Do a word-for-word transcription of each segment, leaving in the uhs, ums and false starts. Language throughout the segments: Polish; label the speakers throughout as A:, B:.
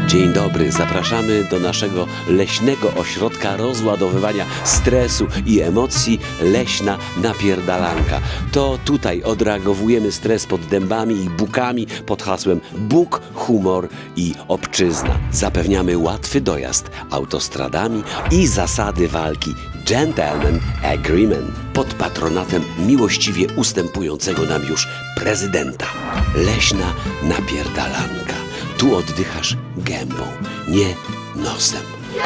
A: Dzień dobry, zapraszamy do naszego leśnego ośrodka rozładowywania stresu i emocji Leśna Napierdalanka. To tutaj odreagowujemy stres pod dębami i bukami pod hasłem Bóg, humor i obczyzna. Zapewniamy łatwy dojazd autostradami i zasady walki Gentleman Agreement pod patronatem miłościwie ustępującego nam już prezydenta. Leśna Napierdalanka. Tu oddychasz gębą, nie nosem.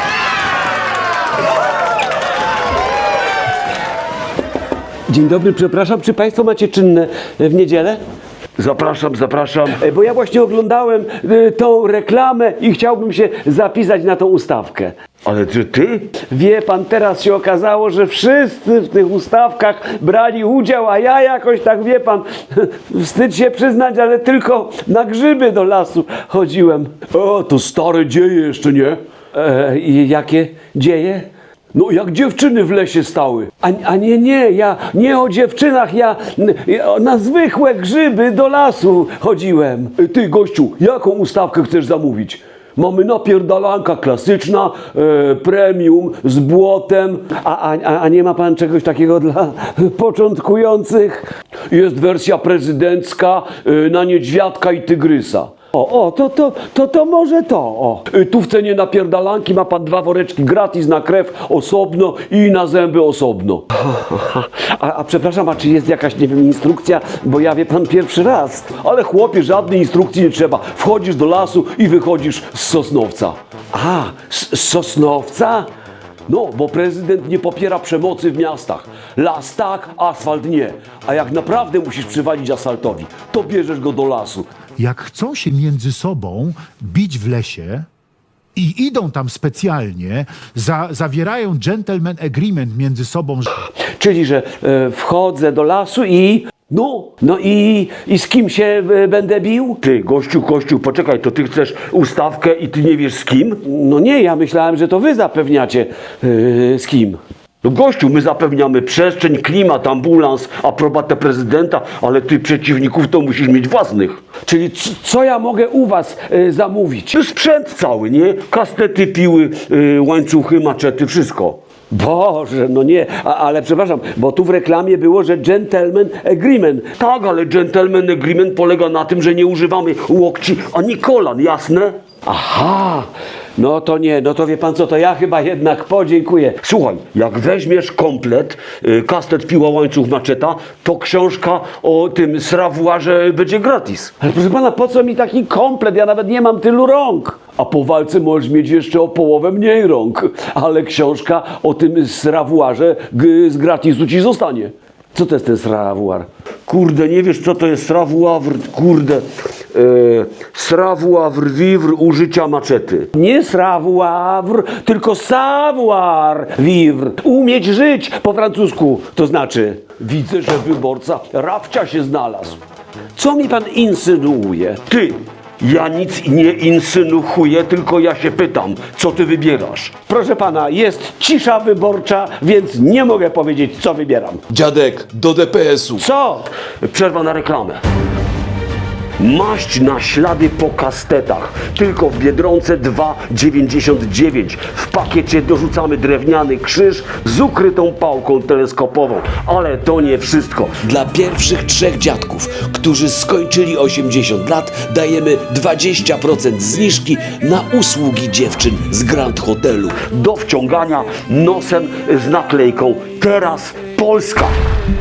B: Dzień dobry, przepraszam, czy Państwo macie czynne w niedzielę?
C: Zapraszam, zapraszam.
B: E, Bo ja właśnie oglądałem y, tą reklamę i chciałbym się zapisać na tą ustawkę.
C: Ale czy ty?
B: Wie pan, teraz się okazało, że wszyscy w tych ustawkach brali udział, a ja jakoś tak, wie pan, wstyd się przyznać, ale tylko na grzyby do lasu chodziłem.
C: O, to stare dzieje jeszcze, nie?
B: E, I jakie dzieje?
C: No jak dziewczyny w lesie stały.
B: A, a nie, nie, ja nie o dziewczynach, ja, ja na zwykłe grzyby do lasu chodziłem.
C: Ty, gościu, jaką ustawkę chcesz zamówić? Mamy napierdalanka klasyczna, e, premium, z błotem.
B: A, a, a nie ma pan czegoś takiego dla początkujących?
C: Jest wersja prezydencka e, na niedźwiadka i tygrysa.
B: O, o, to, to, to, to może to, o.
C: E, tu w cenie napierdalanki ma pan dwa woreczki gratis na krew osobno i na zęby osobno.
B: A, a przepraszam, a czy jest jakaś, nie wiem, instrukcja? Bo ja, wie pan, pierwszy raz.
C: Ale chłopie, żadnej instrukcji nie trzeba. Wchodzisz do lasu i wychodzisz z Sosnowca.
B: A, z, z Sosnowca?
C: No, bo prezydent nie popiera przemocy w miastach. Las tak, asfalt nie. A jak naprawdę musisz przywalić asfaltowi, to bierzesz go do lasu.
D: Jak chcą się między sobą bić w lesie i idą tam specjalnie, za, zawierają gentleman agreement między sobą.
B: Czyli, że e, wchodzę do lasu i...
C: No,
B: No i, i z kim się e, będę bił?
C: ty, gościu, gościu, poczekaj, to ty chcesz ustawkę i ty nie wiesz z kim?
B: No nie, ja myślałem, że to wy zapewniacie e, z kim.
C: No gościu, my zapewniamy przestrzeń, klimat, ambulans, aprobatę prezydenta, ale ty przeciwników to musisz mieć własnych.
B: Czyli c- co ja mogę u was e, zamówić?
C: To sprzęt cały, nie? Kastety, piły, yy, łańcuchy, maczety, wszystko.
B: Boże, no nie, a, ale przepraszam, bo tu w reklamie było, że gentleman agreement.
C: Tak, ale gentleman agreement polega na tym, że nie używamy łokci ani kolan, jasne?
B: Aha, no to nie, no to wie pan co, to ja chyba jednak podziękuję.
C: Słuchaj, jak weźmiesz komplet, y, kastet, piła, łańcuch, maczeta, to książka o tym srawuarze będzie gratis.
B: Ale proszę pana, po co mi taki komplet? Ja nawet nie mam tylu rąk.
C: A po walce możesz mieć jeszcze o połowę mniej rąk, ale książka o tym srawuarze g- z gratisu ci zostanie.
B: Co to jest ten srawuar?
C: Kurde, nie wiesz co to jest srawuawr, kurde, e, srawuawr, wiwr użycia maczety.
B: Nie srawuar, tylko savoir vivre. Umieć żyć po francusku, to znaczy.
C: Widzę, że wyborca Rafcia się znalazł.
B: Co mi pan insynuuje?
C: Ty, ja nic nie insynuuję, tylko ja się pytam, co ty wybierasz?
B: Proszę pana, jest cisza wyborcza, więc nie mogę powiedzieć, co wybieram.
E: Dziadek, do D P S u.
B: Co?
C: Przerwa na reklamę. Maść na ślady po kastetach. Tylko w Biedronce dwa dziewięćdziesiąt dziewięć. W pakiecie dorzucamy drewniany krzyż z ukrytą pałką teleskopową. Ale to nie wszystko.
A: Dla pierwszych trzech dziadków, którzy skończyli osiemdziesiąt lat, dajemy dwadzieścia procent zniżki na usługi dziewczyn z Grand Hotelu.
C: Do wciągania nosem z naklejką Teraz Polska.